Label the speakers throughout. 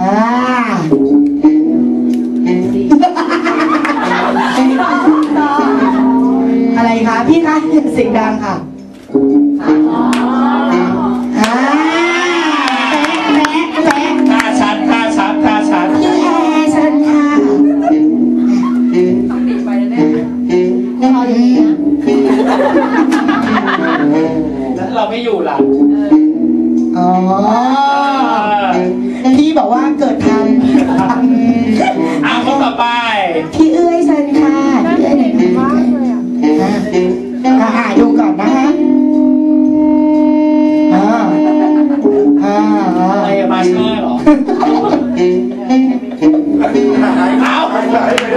Speaker 1: อะไรคะพี่คะเสียงดังค่ะ
Speaker 2: ท่าชัด
Speaker 1: พี่แอร์เชิญค่ะ
Speaker 3: ต้องดีไปแน่ๆพออย่างนี้นะ
Speaker 2: แล้วเราไม่อยู่ล่ะ
Speaker 1: อ๋อพี่บอกว่าเกิดทัน
Speaker 2: คนต่อไป
Speaker 1: พี่เอ้ยเชิญค่ะพี่เอ้ยเก่งมากเลยอ่ะดูก่อนนะฮะ
Speaker 2: อะไรมาช่าเหรอเอา
Speaker 1: โอเค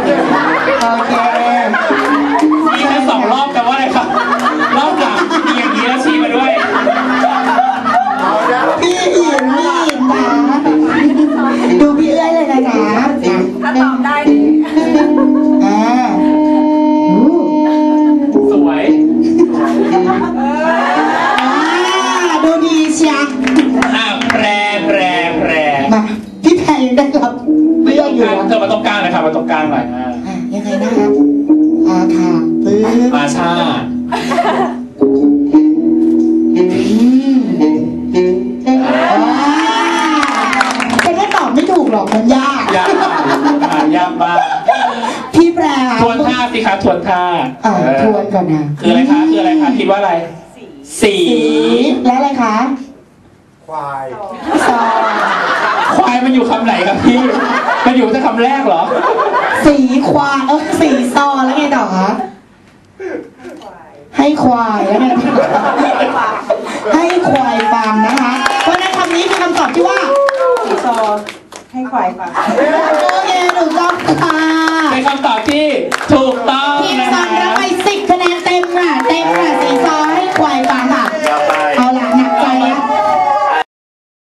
Speaker 2: ชี้แค่2 รอบแต่ว่าอะไรครับรอบหลังมีอย่างนี้แล้วชี้มาด้วย
Speaker 1: พี่อินนะดูพี่เอ้ยเลยนะจ๊ะ
Speaker 3: ถ้าตอบได้ดิ
Speaker 2: สวย
Speaker 1: ดูดีเชียร์
Speaker 2: แปร
Speaker 1: มาพี่แพรยังได้รับเรื่องอยู่
Speaker 2: เธอมาตรงกลางเลยค่ะมาตรงกลางหน่อย
Speaker 1: ยังไงนะคะค่ะปื้ม
Speaker 2: มาชา
Speaker 1: แต่ถ้าตอบไม่ถูกหรอกมันยาก
Speaker 2: มาก
Speaker 1: พี่แปร
Speaker 2: ทวนท่าสิคะทวนท่า
Speaker 1: ทวนก่อนนะ
Speaker 2: คืออะไรคะคิดว่าอะไรสี
Speaker 1: และอะไรคะ
Speaker 4: ควาย
Speaker 2: ควายมันอยู่คำไหนครับพี่มันอยู่ที่คำแรกเหรอ
Speaker 1: สีควายสีซอแล้วไงต่อคะให้ควายแล้วไงให้ควายฟังนะคะเพราะนั้นคำนี้คือคำตอบที่ว่า
Speaker 3: สีซอให้ควายฟัง
Speaker 1: โอเคถูกต้องค่ะ
Speaker 2: เป็นคำตอบที่ถู